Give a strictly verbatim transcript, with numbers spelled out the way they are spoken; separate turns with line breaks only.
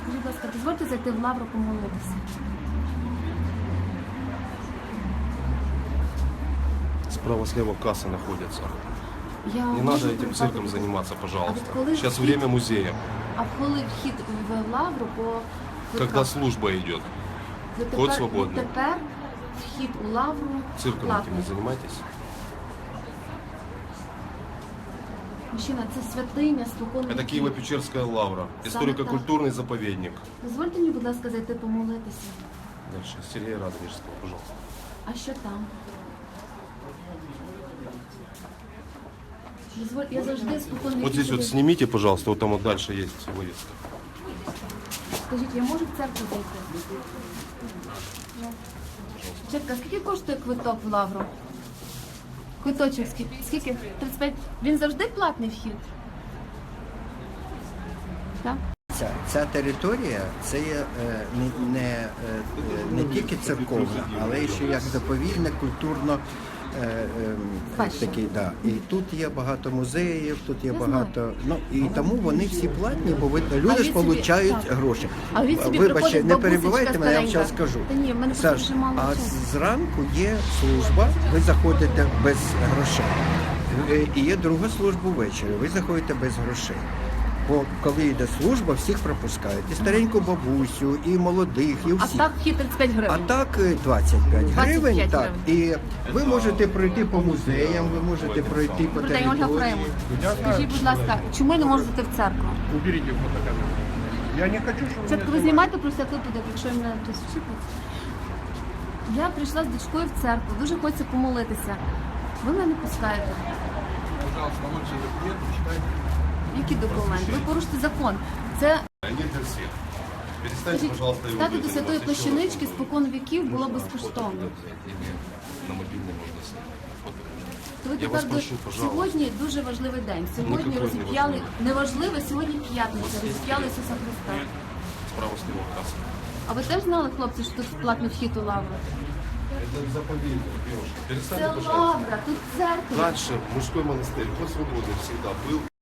Скажіть, будь ласка, дозвольте зайти в лавру помолитися.
Справа-слева кассы находятся.
Я
Не
можу
надо этим
придбати-
цирком заниматься, пожалуйста.
А вот коли
Сейчас
вхід-
время музея.
А коли вхід в лавру по
Когда
квитках?
служба идет.
Відтепер-
вход свободний.
Відтепер вхід у лавру
Цирком этим
платний.
не занимайтесь.
Мужчина, це святиня, спокон
Это
віків.
Киево-Печерская лавра.
Саме
Историко-культурный заповедник.
Дозвольте мені, будь ласка, зайти помолитися.
Дальше. Сергея Радонежского, пожалуйста.
А що там? Дозволь, я завжди спокон віків.
Вот здесь вот
буду-
снимите, пожалуйста. Вот там вот дальше есть вывеска.
Скажіть, я можу в церкву зайти? Чітка, скільки коштує квиток в лавру? Квиточок скільки? Скільки? тридцять п'ять. Він завжди платний вхід? Так?
Ця, ця територія це є е, не, не, е, не тільки церковна, але ще як заповідне, культурно е, е,
Спадщина.
такий, да. І тут є багато музеїв, тут є
Я
багато. Ну і тому вони всі платні, бо ви-
А
люди
він
ж
собі-
отримують
так.
гроші.
А він собі
Вибачте,
приходить,
не
бабусечка
перебивайте мене, я вам зараз
старенька.
скажу.
Та ні, в мене просто
Саш,
дуже мало
а
часу.
зранку є служба, ви заходите без грошей. Е, І є друга служба ввечері, ви заходите без грошей. Бо коли йде служба, всіх пропускають. І стареньку бабусю, і молодих, і
А
всіх.
так вхід тридцять п'ять
А
гривень.
так е, двадцять п'ять гривень.
двадцять п'ять
Так. І ви можете пройти по музеям, ви можете пройти по
Добрий день, Ольга
території.
Фреймут. Скажіть, будь ласка, чому я не можу зайти в церкву?
Уберите фотокамеру. Я не хочу, чтобы
Спочатку ви знімайте про всяк випадок, якщо мене хтось вчипить. Я прийшла з дочкою в церкву, дуже хочеться помолитися. Ви мене не пускаєте.
пожалуйста, лучше документы читайте.
Які документи? Ви порушите закон. Це
Они для всех. Перестаньте,
скажіть,
пожалуйста, его
стати до
заниматься.
святої
Еще раз
плащанички
вам
спокон віків було
нужно
безкоштовно.
фото взять или на мобильный можно снять. Фото.
То ви
Я вас
тепер
прошу,
до-
пожалуйста.
сьогодні дуже важливий день. Сьогодні
Никакой
розіп'яли
неважливий.
неважливо, сьогодні п'ятниця, розіп'яли Ісуса Христа.
Справа слева касса.
А ви теж знали, хлопці, що тут платний вхід у лавру?
Это заповедник, девушка.
Це
Перестаньте, пожалуйста.
лавра, тут церква.
Дальше мужской монастырь. Вход свободный всегда был.